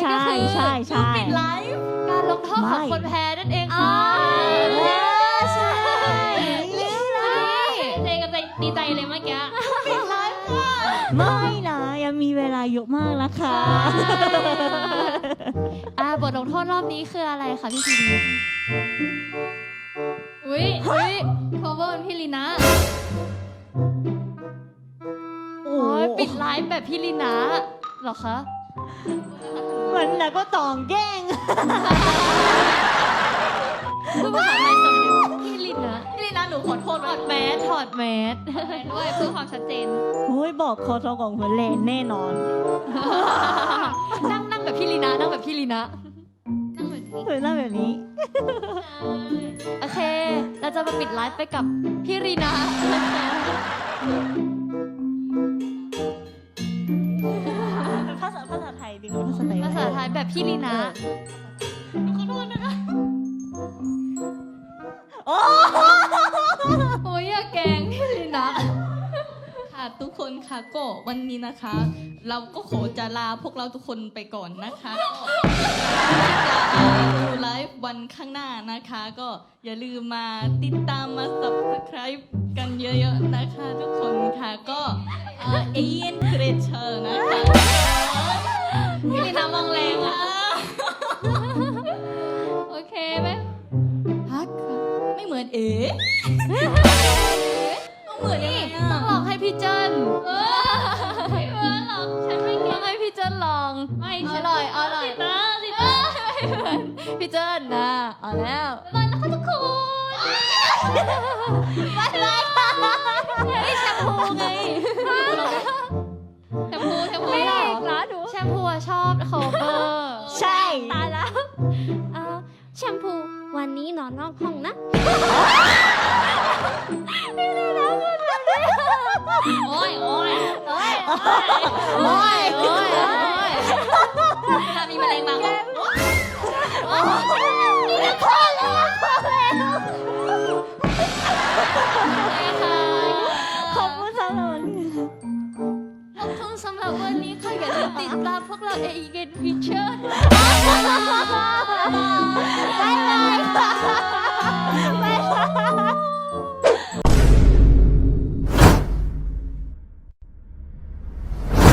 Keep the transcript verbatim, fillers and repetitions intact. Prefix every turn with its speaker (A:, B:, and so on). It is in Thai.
A: ก็คือ
B: ใช่ใช่
A: ปิดไลฟ์การลงโทษของคนแพ้นั่นเอง
B: อ๋อ
A: ค่ะ
B: ใช่นี่นะ
A: เจกันใจดีใจเลยเมื่อกี้ปิดไลฟ์ค่ะ
B: ไม่นะยังมีเวลาเยอะมากนะคะ
A: อ่าบทลงโทษรอบนี้คืออะไรคะพี่พีดีอุ้ยอุ้ย cover เป็นพี่ลีนะ
B: โอ้
A: โอ้ยปิดไลฟ์แบบพี่ลีนะเหรอคะ
B: เหมือนนะก็ตองแกล้ง
A: พูดภาษาไทยสำเนียงพี่ลีนะพี่ลีนะหนูขอโทษถอดแมสถอดแมสด้วยเพื่อความชัดเจน
B: โอ้ยบอกคอทอของหัวเลนแน่นอน
A: นั่งนั่งแบบพี่ลีนะนั่งแบบพี่ลีนะนั่งแบบนี้
B: เฮ้ยน่าแบบนี้
A: โอเค เราจะมาปิดไลฟ์ไปกับพี่ลีนะนะคะ
B: ภาษาภาษาไทยดีกว่าภาษาไทย
A: ภาษาไทยแบบพี่ลีนะขอโทษนะคะ
B: โอ้
A: โอ้ยอย่าแกล้งพี่ลีนะ
C: ค่ะทุกคนค่ะก็วันนี้นะคะ เราก็ขอจะลาพวกเราทุกคนไปก่อนนะคะก็จะดูไลฟ์วันข้างหน้านะคะ ก็อย่าลืมมาติดตามมา subscribe กันเยอะๆนะคะ ทุกคนค่ะก็เอเยนครเชอร์นะคะ
A: พี่ลีนะมองแรงอะโอเคไหม
C: ฮักค่ะไม่เหมือนเอ๋ต้องเหมือนยังไง
A: ต้อ
C: อะ
A: งลองให้พี่เจิ้นเออไม่เออหรอกฉันไม่ต้องให้พี่เจิ้นลองไม่อร่อยอร่อยนะสินะไม่เหมือนพี่เจิ้นนะเอาแล้วบ๊ายบายนะคะทุกคนบ๊ายบายนี่แชมพูไงแชมพูแชมพูเหรอแชมพูอะชอบโคเวอร์
B: ใช่
D: ตายแล้วเอ่อแชมพูวันนี้นอนนอกห้องนะ
A: โอ้ยโอ้ยโอ้ย
B: โอ้ย
A: โอ้ยโอ้ยเวลามีแมลงมาก็โอ้ยพอแล้วพอแล้วค่ะ
B: ขอบคุณสำหรับวันนี้
A: ขอบคุณสำหรับวันนี้ค่ะอย่าลืมติดตามพวกเราเอเกนฟิเชอร์
B: บ๊ายบายค่ะบ๊ายบาย